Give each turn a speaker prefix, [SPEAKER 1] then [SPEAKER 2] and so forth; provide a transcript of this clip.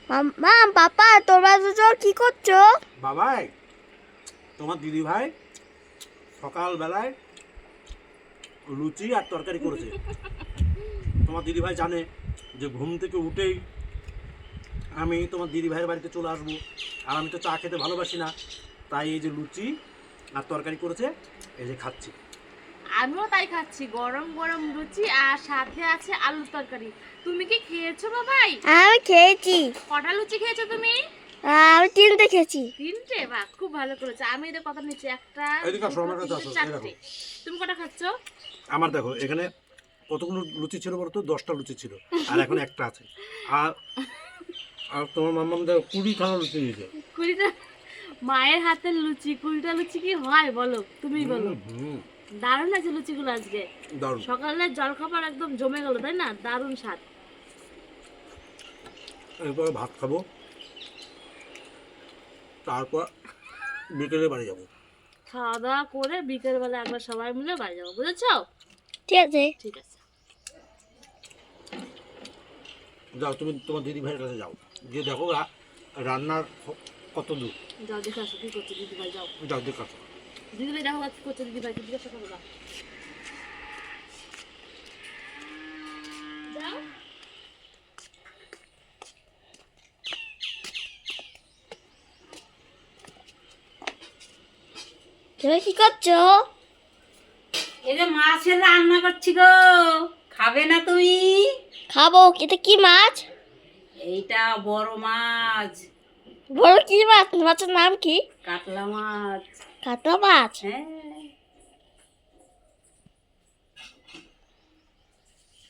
[SPEAKER 1] মা পাপা তোমরা দুজন কি করছো?
[SPEAKER 2] বাবাই, তোমার দিদি ভাই সকালবেলায় লুচি আর তরকারি করেছে। তোমার দিদি ভাই জানে যে ঘুম থেকে উঠেই আমি তোমার দিদি ভাইয়ের বাড়িতে চলে আসবো, আর আমি তো চা খেতে ভালোবাসি না, তাই এই যে লুচি আর তরকারি করেছে, এই যে খাচ্ছি।
[SPEAKER 3] আমিও তাই খাচ্ছি, গরম গরম লুচি আর সাথে আছে আলুর তরকারি। তুমি কি খেয়েছো বাবাই?
[SPEAKER 1] আমি খেয়েছি।
[SPEAKER 3] কটা লুচি খেয়েছো তুমি?
[SPEAKER 1] আমি 3টে খেয়েছি।
[SPEAKER 3] 3টে? বাহ, খুব ভালো করেছো। আমি এদের কথা নিচ্ছি, একটা
[SPEAKER 2] এদিকে আসো, আমার কাছে আসো, এই দেখো।
[SPEAKER 3] 4টে। তুমি কটা খাচ্ছো?
[SPEAKER 2] আমার দেখো এখানে কতগুলো লুচি ছিল বলতো, 10টা লুচি ছিল, আর এখন একটা আছে। আর আর তোমার মাম্মাম দেখো 20খানা লুচি দিয়েছে।
[SPEAKER 3] 20টা? মায়ের হাতের লুচি 20টা লুচি কি হয় বলো, তুমি বলো। দারুণ আছে লুচিগুলো আজকে।
[SPEAKER 2] দারুণ।
[SPEAKER 3] সকালের জলখাবার একদম জমে গেল, তাই না? দারুণ স্বাদ।
[SPEAKER 2] এরপরে ভাত খাবো, তারপর বিকেলে বাড়ি যাবো।
[SPEAKER 3] খাওয়া দাওয়া করে বিকেল বেলা একবার সবাই মিলে বাড়ি যাবো, বুঝেছো?
[SPEAKER 1] ঠিক আছে।
[SPEAKER 3] ঠিক আছে।
[SPEAKER 2] যাও, তুমি তোমার দিদি ভাইয়ের কাছে যাও, গিয়ে দেখো রান্নার কত দূর।
[SPEAKER 3] যাও দেখে আসো কি করছে দিদি ভাই, যাও।
[SPEAKER 2] যাও দেখো আসো।
[SPEAKER 3] দিদি ভাই দেখো কি করছে, দিদি ভাইকে জিজ্ঞাসা করো না। যাও।
[SPEAKER 1] তুমি কি করছো?
[SPEAKER 4] এই যে মাছের রান্না করছি গো, খাবে না তুমি?
[SPEAKER 1] খাবো। এটা কি মাছ?
[SPEAKER 4] এইটা বড় মাছ,
[SPEAKER 1] বলো কি মাছ? মাছের নাম কি?
[SPEAKER 4] কাতলা মাছ।
[SPEAKER 1] কাতলা মাছ।
[SPEAKER 4] হ্যাঁ,